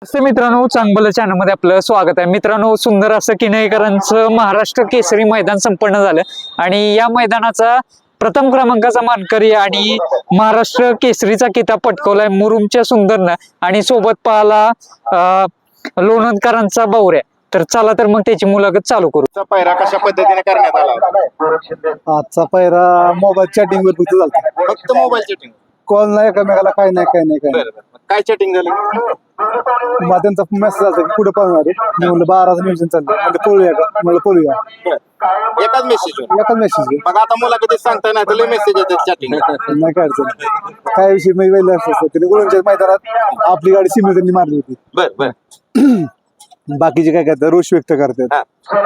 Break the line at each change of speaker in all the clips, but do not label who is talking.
मित्रांनो, चांगलं चॅनल मध्ये आपलं स्वागत आहे. मित्रांनो, सुंदर असं किनईकरांचं महाराष्ट्र केसरी मैदान संपन्न झालं आणि या मैदानाचा प्रथम क्रमांकाचा मानकरी आणि महाराष्ट्र केसरीचा किताब पटकवलाय मुरुमच्या सुंदरनं आणि सोबत पाहला लोणंदकरांचा बावऱ्या. तर चला तर मग त्याची मुलाखत चालू करू.
पायरा कशा पद्धतीने करण्यात आला?
आजचा पायरा मोबाईल चॅटिंग वर फक्त झाला.
फक्त मोबाईल चॅटिंग?
कॉल नाही एकमेकाला, काय नाही.
काय चॅटिंग झाली?
मग त्यांचा मेसेज आला की पुढे पळणार आहे. मी म्हणलं 12चं नियोजन चाललं, म्हणजे पळूया का, म्हणलं पळूया.
एकाच मेसेज?
एकाच मेसेज.
मग आता मुलाखतीत सांगता नाही तर मेसेज येतात चॅटिंग?
नाही काय अडचण. काय विषय मी वेळ असतं त्याने गुळूंच्या मैदानात आपली गाडी सिमी त्यांनी मारली होती.
बर
बाकीचे काय करतात, रोष व्यक्त करतात.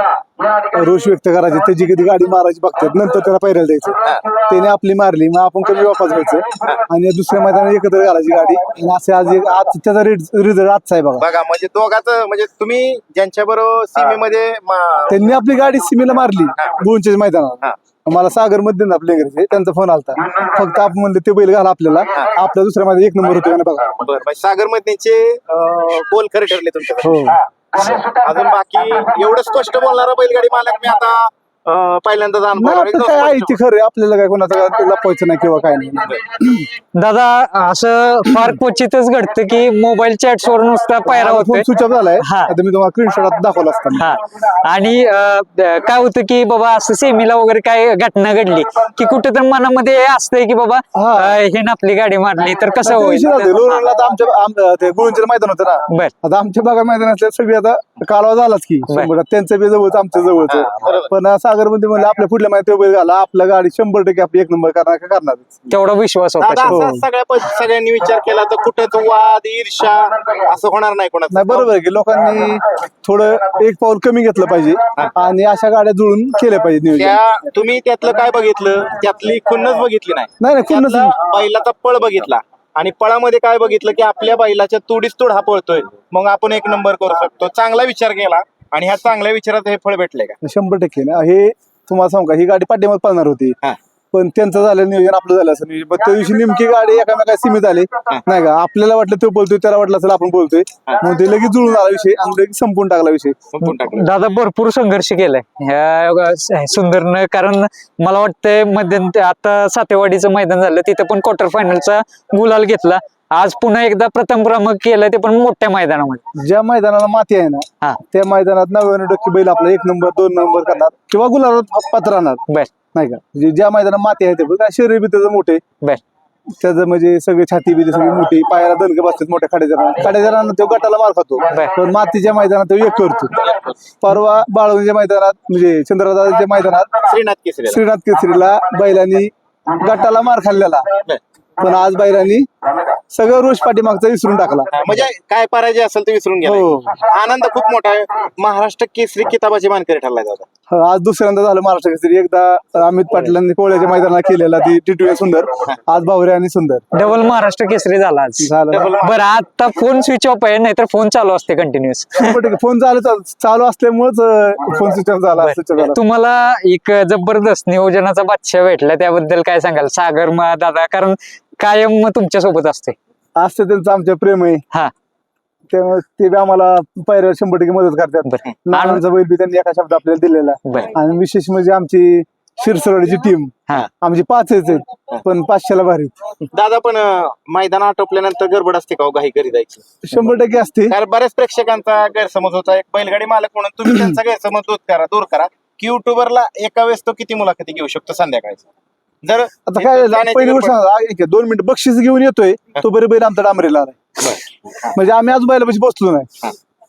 रोष व्यक्त करायचे, त्याची कधी गाडी मारायची बघतात, नंतर त्याला पायऱ्याला द्यायचं. त्याने आपली मारली, मग आपण कमी वापस व्हायचं आणि दुसऱ्या मैदानात एकत्र घालायची गाडी. आणि असे आज त्याचा रिझल्ट आजचा आहे बघा.
म्हणजे दोघांचं, म्हणजे तुम्ही ज्यांच्या बरोबर सीमेमध्ये
त्यांनी आपली गाडी सीमेला मारली गुळूंच्या मैदानात. मला सागर मध्ये आपल्या इंग्रजी त्यांचा फोन आलता. फक्त आपण म्हणले ते बैल घाला आपल्याला, आपल्या दुसऱ्या मध्ये 1 नंबर होतो ना बघा.
सागर मधनेचे गोल खरे ठरले तुमच्या?
हो.
अजून बाकी एवढं स्पष्ट बोलणारा बैलगाडी मालक मी आता पहिल्यांदा
काय आहे ती खरं, आपल्याला काय कोणाचं लपवायचं नाही किंवा काय नाही.
दादा, असं फार क्वचितच घडतं की मोबाईल चॅट्स वर नुसता पायरा होतोय.
स्विच ऑफ झालाय.
हा.
आता मी तुम्हाला स्क्रीनशॉट दाखवला असताना.
हा, आणि काय होतं की बाबा असं सेमीला वगैरे काय घटना घडली की कुठे तर मनामध्ये असतंय की बाबा हे ना आपली गाडी मारली तर कसं होईल.
लोणंदला आता आमच्या गुळूंचं मैदान होतं ना.
बर.
आता आमच्या भागा मैदानातल्या सगळी आता कालवा झालाच की त्यांचं बी जवळच आमच्या जवळच. पण सागर मध्ये म्हणलं आपल्या पुढल्या माहिती बैल घाला, आपल्या गाडी 100% आपली 1 नंबर करणार.
तेवढा विश्वास होता.
सगळ्यांनी विचार केला तर कुठेच वाद ईर्षा असं होणार नाही कोणाचं?
नाही, बरोबर आहे की लोकांनी थोडं एक पाऊल कमी घेतलं पाहिजे आणि अशा गाड्या जुळून केल्या पाहिजे नियोजन.
तुम्ही त्यातलं काय बघितलं? त्यातली खुन्नच बघितली नाही?
नाही खुन्नस.
बैलाचा पळ बघितला आणि पळामध्ये काय बघितलं की आपल्या बैलाच्या तुडीस तुड हा पळतोय, मग आपण 1 नंबर करू शकतो. चांगला विचार केला आणि ह्या चांगल्या विचारात हे फळ भेटले का?
100% ना. हे तुम्हाला सांगू का, ही गाडी पाठीमागे पळणार होती पण त्यांचं झालं नियोजन, आपलं झालं असं नियोजन. पण त्या दिवशी नेमकी गाडी एकामेका सीमित आली नाही का. आपल्याला वाटलं तो बोलतोय, त्याला वाटलं असेल आपण बोलतोय, मग ते लगेच जुळून आला विषय आणि लगेच संपून टाकला विषय.
दादा, भरपूर संघर्ष केलाय ह्या सुंदरनं. कारण मला वाटतंय मध्यंतरी आता सातेवाडीचं मैदान झालं, तिथे पण क्वार्टर फायनलचा गुलाल घेतला. आज पुन्हा एकदा प्रथम क्रमांक केलाय, ते पण मोठ्या मैदानामध्ये.
ज्या मैदानाला माती आहे ना त्या मैदानात 99% बैल आपला 1 नंबर 2 नंबर करणार किंवा गुलाबात पात्र राहणार.
बर.
नाही का. म्हणजे ज्या मैदानात माती आहे ते काय शरीर बी त्याचं मोठे,
बर,
त्याचं म्हणजे सगळे छाती बी सगळी मोठी, पायाला दणके बसतात मोठ्या खाड्याजरांना तो गटाला मार खातो. पण मातीच्या मैदानात तो एक करतो. परवा बाळवणीच्या मैदानात म्हणजे चंद्रदाच्या मैदानात श्रीनाथ केसरीला बैलांनी गटाला मार खाल्लेला, पण आज बैलांनी सगळं रोष पाठीमागचा विसरून टाकला.
म्हणजे काय पराजय असेल ते विसरून गेला.
हो.
आनंद खूप मोठा आहे. महाराष्ट्र केसरी किताबाची मानकरी ठरलाय दादा.
आज दुसऱ्यांदा झालं महाराष्ट्र केसरी. एकदा अमित पाटलांनी कोळ्याच्या मैदानाला केलेला ती टिटूया सुंदर, आज बावरे आणि सुंदर.
डबल महाराष्ट्र केसरी झाला आज. बरं, आता फोन स्विच ऑफ आहे, नाहीतर फोन चालू असते कंटिन्युअस.
फोन चालू असल्यामुळेच फोन स्विच ऑफ झाला.
तुम्हाला एक जबरदस्त नियोजनाचा बादशाह भेटला, त्याबद्दल काय सांगाल सागर दादा? कारण कायम तुमच्या सोबत असते
त्यांचं आमच्या प्रेम आहे.
हा,
त्यामुळे ते बी आम्हाला पायऱ्या 100% मदत करतात. नानांचा बैल बी त्यांनी एका शब्द आपल्याला दिलेला. आणि विशेष म्हणजे आमची शिरसरवाडीची टीम आमची 5 आहेत पण 500ला भारी.
दादा, पण मैदान आटोपल्यानंतर गडबड असते का घाई करी जायची?
100% असते.
कारण बऱ्याच प्रेक्षकांचा गैरसमज होता, एक बैलगाडी मालक म्हणून तुम्ही त्यांचा गैरसमज दूर करा की युट्यूबरला एका वेळेस तो किती मुलाखती घेऊ शकतो संध्याकाळचा? जर
आता काय पहिली गोष्ट 2 मिनिट बक्षीस घेऊन येतोय तो बरे बैल आमचा डांबरीला आलाय. म्हणजे आम्ही अजून बैलापाशी बसलो नाही.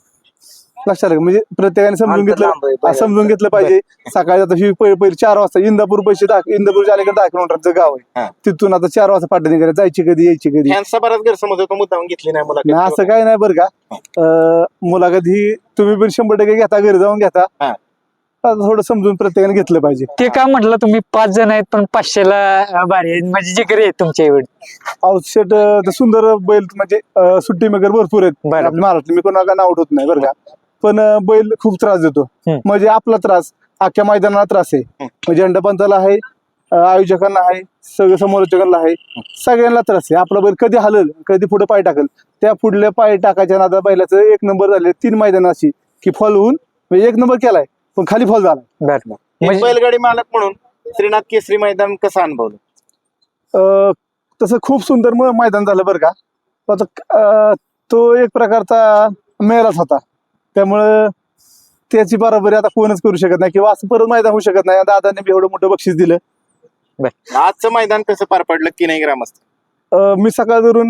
लक्षात आलं. म्हणजे प्रत्येकाने समजून घेतलं पाहिजे. सकाळी आता पहिले 4 वाजता इंदापूरच्या अलीकडे 10 किलोमीटरचं गाव आहे. तिथून आता 4 वाजता पाठवणी करायला जायची कधी यायची कधी.
यांचा बराच गैरसमज होतो, मुद्दाम घेतली नाही मुलाखत.
असं काय नाही बरं का. मुलाखत ही तुम्ही पण 100% घेता, घरी जाऊन घेता. थोडं समजून प्रत्येकाने घेतलं पाहिजे.
ते का म्हटलं तुम्ही 5 जण आहेत पण 500ला भारी आहेत, म्हणजे जिगरी आहेत तुमच्या एवढे.
आउटसेट सुंदर बैल म्हणजे सुट्टी मेकर भरपूर आहेत महाराष्ट्र. मी कोणाला नाव उठवत नाही बरं का. पण बैल खूप त्रास देतो. म्हणजे आपला त्रास अख्ख्या मैदानाला त्रास आहे. म्हणजे झेंडा पंचाला आहे, आयोजकांना आहे, सगळं समालोचकांना आहे, सगळ्यांना त्रास आहे. आपला बैल कधी हलल, कधी पुढे पाय टाकल, त्या पुढल्या पाय टाकायच्या नादा बैलाचं 1 नंबर झाले. 3 मैदान अशी की फॉल होऊन म्हणजे 1 नंबर केलाय पण खाली फॉल झाला.
बर
एक बैलगाडी मालक म्हणून श्रीनाथ केसरी मैदान कसं अनुभवलं?
तसं खूप सुंदर मैदान झालं बरं का. आता तो एक प्रकारचा मेलाच होता, त्यामुळं त्याची बरोबरी आता कोणच करू शकत नाही किंवा असं परत मैदान होऊ शकत नाही. दादाने बी एवढं मोठं बक्षीस दिलं.
आजचं मैदान कसं पार पडलं की नाही ग्रामस्थ?
मी सकाळ धरून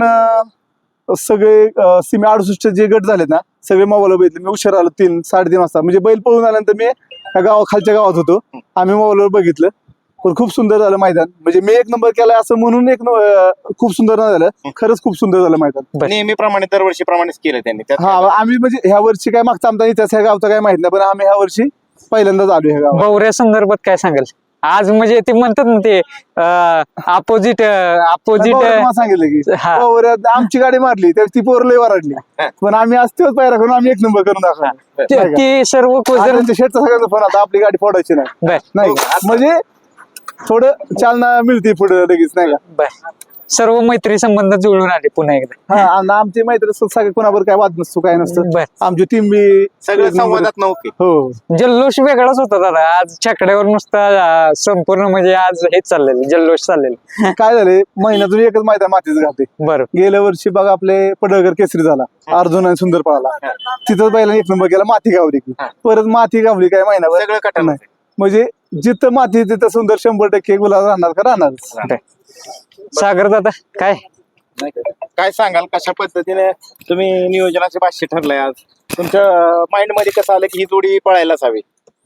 सगळे सीमे 68 जे गट झालेत ना सगळे मोबाईल बघितले. मी उशीर आलो 3-3:30 वाजता, म्हणजे बैल पळून आल्यानंतर मी खालच्या गावात होतो. आम्ही मोबाईलवर बघितलं, पण खूप सुंदर झालं मैदान. म्हणजे मी 1 नंबर केलाय असं म्हणून खूप सुंदर नाही झालं, खरंच खूप सुंदर झालं मैदान.
नेहमीप्रमाणे दरवर्षीप्रमाणेच केलं त्यांनी त्यात
हा, आम्ही म्हणजे ह्या वर्षी काय मागचा आमचा इतिहास ह्या गावचा काय माहित नाही, पण आम्ही ह्या वर्षी पहिल्यांदाच आलो ह्या गावात.
गौऱ्या संदर्भात काय सांगाल आज? म्हणजे ते म्हणतात ना ते अपोजिट
मला सांगितलं की
हा.
पोरं आमची गाडी मारली तर ती पोरं लय वराडली, पण आम्ही आज तेच पायरा करून आम्ही 1 नंबर करून दाखवला.
ती सर्व
त्यांच्या शेटचा सगळ्यांचा फोन आता आपली गाडी फोडायची नाही,
बर
नाही का? म्हणजे थोडं चालना मिळते पुढे लगेच, नाही का?
बर सर्व मैत्री संबंध जुळून आले पुन्हा एकदा.
हा, आणि आमची मैत्री सगळे कोणावर काय वाद नसतो, काय नसतं.
बर
आमची टीम बी
सगळं संवादात नव्हते.
हो.
जल्लोष वेगळाच होता दादा आज छकड्यावर नुसता संपूर्ण म्हणजे आज हेच चाललेलं जल्लोष चाललेलं.
काय झाले, महिन्यातून एकच मैदान मातीच घालते.
बरं
गेल्या वर्षी बघा आपले पडळकर केसरी झाला, अर्जुन आणि सुंदर पळाला, तिथंच बैलाने 1 नंबर केला. माती गावली की परत माती गावली काय महिनाभर
सगळं कटन
नाही. म्हणजे जिथं माती तिथं सुंदर 100% गुलाल राहणार का राहणार.
सागर दादा काय
काय सांगाल, कशा पद्धतीने तुम्ही नियोजनाचे भाष्य ठरलंय आज? तुमच्या माइंड मध्ये कसं आलं की ही जोडी पळायलाच हवी?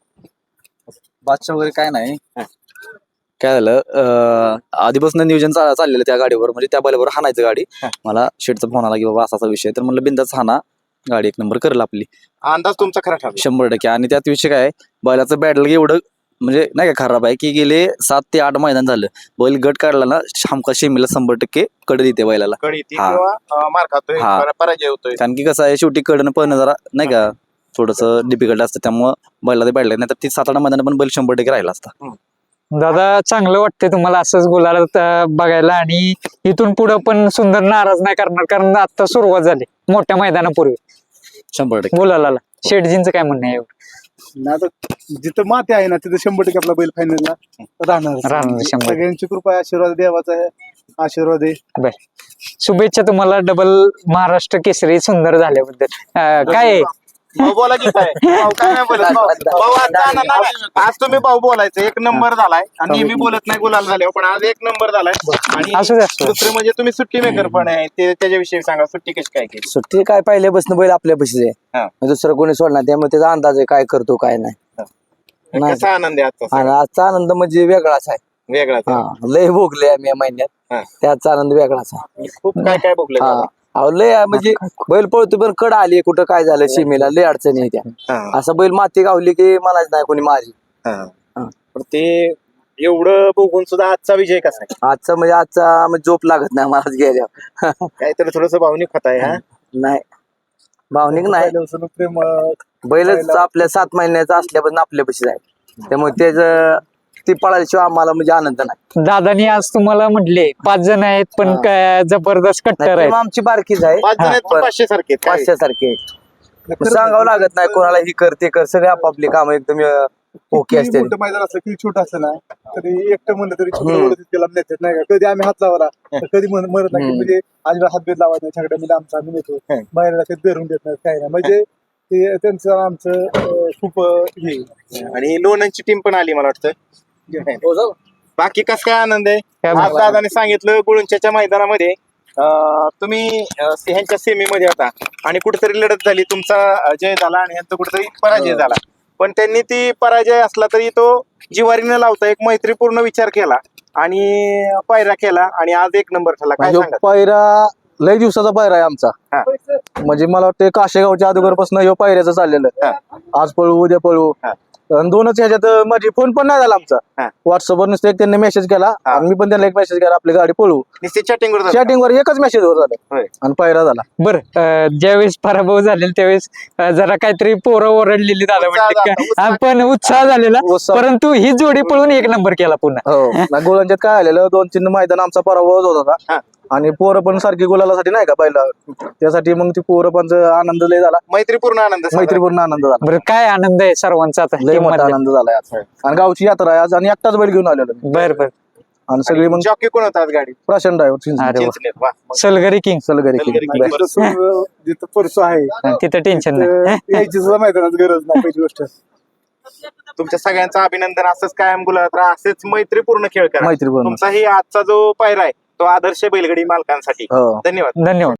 बादशाह वगैरे काय नाही. काय झालं, आधीपासून नियोजन चाललेलं त्या गाडीवर, म्हणजे त्या बैलावर हाणायचं गाडी. मला शेटचा फोन आला की बाबा असा विषय, तर म्हणलं बिंदाच हाना, गाडी 1 नंबर करेल आपली.
अंदाज तुमचा खरा ठरला?
100%. आणि त्यात विषय काय, बैलाचं बॅटल एवढं म्हणजे नाही का खराब आहे की गेले 7 ते 8 मैदान झालं बैल गट काढला ना हमका शेमीला 100% कडे देते बैलाला.
कळी ती
हा.
किंवा मार खातोय,
हा.
पराजय होतोय.
कारण की कसं आहे, शेवटी कडनं पळणं जरा नाही का थोडस डिफिकल्ट असतं, त्यामुळं बैला ते बॅटल नाही तर ती 7-8 मैदान पण बैल 100% राहिला असता.
दादा चांगलं वाटतंय तुम्हाला असंच गुलालात बघायला, आणि इथून पुढे पण सुंदर नाराज नाही करणार, कारण आता सुरुवात झाली मोठ्या मैदानापूर्वी
100%.
गुलालाला. शेटजींचं काय म्हणणं आहे एवढं?
नाही आता जिथं माती आहे ना तिथं 100% आपला बैल फायनलला राहणार.
राहणार 100%.
सगळ्यांची कृपा आहे, आशीर्वाद देवाचा आहे, आशीर्वाद आहे.
बर शुभेच्छा तुम्हाला डबल महाराष्ट्र केसरी सुंदर झाल्याबद्दल. काय आहे?
भाऊ बोला की काय? भाऊ काय नाही बोलत. भाऊ आजचा आनंद नाही. आज तुम्ही भाऊ बोलायचं 1 नंबर झालाय, आणि नेहमी बोलत नाही गुलाल झाल्यावर, पण आज 1 नंबर झालाय. आणि
असू दे, असू दे.
दुसरं म्हणजे तुम्ही सुट्टी मेकर पण आहे, ते त्याच्याविषयी सांगा. सुट्टी कशी काय केली?
सुट्टी काय पहिल्यापासून बैल आपल्या पशीच
हा.
आहे, दुसरं कोणी सोडणार, त्यामुळे त्याचा अंदाज आहे काय करतो काय नाही. नाही.
कसा आनंद आहे आजचा?
आणि आजचा आनंद म्हणजे वेगळाच आहे.
वेगळाच आहे.
हा, लय भोगले आम्ही या महिन्यात,
हा.
त्याचा आनंद वेगळाच आहे.
खूप काय काय बघलं.
हा, अहो लय म्हणजे बैल पळतो पण कड आली कुठं काय झालं सीमेला लय अडचणी येत्या. असं बैल माती गावली की मलाच नाही कोणी मारी.
पण ते एवढं बघून सुद्धा आजचा विजय कसा आहे?
आजचा म्हणजे झोप लागत नाही मलाच गेल्या.
काहीतरी थोडस भावनिक होत आहे. हा,
नाही भावनिक नाही,
पहिल्यापासून प्रेम
बैलच आपल्या 7 महिन्याचा असल्यापासून आपल्या पशीच आहे, त्यामुळे त्याच ती पळाल्याशिवाय आम्हाला म्हणजे आनंद नाही.
दादानी आज तुम्हाला म्हटले 5 जण आहेत पण काय जबरदस्त
नाही,
कट्टर
टीम
आहेत.
आमची बारकीच आहे,
5 जण आहेत पण 500 सारखे आहेत. काय?
500 सारखे. सांगावं लागत नाही कोणाला ही कर ते कर, सगळे आपापली काम एकदम ओके
किती
असते.
मोठं मैदान असलं किती छोटं असलं ना तरी एकटं म्हणलं तरी तितक्याला नेतात, नाही का? कधी आम्ही हात लावला तर कधी म्हणत नाही की म्हणजे अजिबात हातभेद लावायचा नाही, छकड्या म्हणजे आमचा आम्ही नेतो, बाहेरला ते धरून देत नाही, काय नाही. म्हणजे ते त्यांचं आमचं खूप हे.
आणि लोणंदची टीम पण आली मला वाटतं. बाकी कस काय आनंद आहे?
काय
आज दादाने सांगितलं गुळुंच्याच्या मैदानामध्ये तुम्ही ह्यांच्या सेमीमध्ये होता आणि कुठेतरी लढत झाली, तुमचा जय झाला आणि यांचा कुठेतरी पराजय झाला, पण त्यांनी ती पराजय असला तरी तो जिवारी न लावता एक मैत्रीपूर्ण विचार केला आणि पायरा केला आणि आज 1 नंबर ठरला. काय सांगा?
पायरा लय दिवसाचा पायरा आहे आमचा. म्हणजे मला वाटतं काशेगावच्या अगोदरपासून ह्यो पायऱ्याचं चाललेलं. आज पळू उद्या पळू,
आणि दोनच ह्याच्यात माझी फोन पण नाही झाला
हा.
आमचा. व्हॉट्सअपवर नुसतं एक त्यांनी मेसेज केला
हा.
आणि मी पण त्यांना एक मेसेज केला आपली गाडी पळवू.
निश्चित चॅटिंग वर
चॅटिंगवर एकच मेसेज वर झालं
होय.
आणि पायरा झाला.
बरं ज्यावेळेस पराभव झालेला त्यावेळेस जरा काहीतरी पोरं ओरडलेली दादा
उत्साह
म्हणते
झाला, उत्साह.
पण उत्साह झालेला
उत्साह.
परंतु ही जोडी पळून एक नंबर केला पुन्हा.
हो ना, गोलांच्यात काय आलेलं 2-3 मैदान आमचा पराभव होत
हा.
होता आणि पोरं पण सारखी गुलालासाठी नाही का पहिला त्यासाठी मग ती पोरं पण आनंद लय झाला.
मैत्रीपूर्ण आनंद साजरा.
मैत्रीपूर्ण आनंद झाला.
बरं काय आनंद आहे सर्वांचा आता
लय
team
मोठा
मधल्या?
आनंद झाला आज. आणि गावची यात्रा आहे आज आणि एकटाच बैल घेऊन आलेलो मी.
बरं बरं
आणि सगळी मग
जॉकी कोण होता आज गाडी
प्राशन ड्रायव्हर
अरे वा.
चिंचणीत. वा. मग
सलगरी किंग
सलगरी king.
जिथं परसू आहे
तिथं टेन्शन नाही
यायची सुद्धा मैदानात गरज नाही पहिली गोष्ट.
तुमच्या सगळ्यांचं अभिनंदन. असंच कायम गुलाबात राहा, असेच मैत्रीपूर्ण खेळ करा.
मैत्रीपूर्ण.
तुमचाही आजचा जो पायरा आहे तो आदर्श बैलगाडी मालकांसाठी.
हो.
धन्यवाद.
धन्यवाद.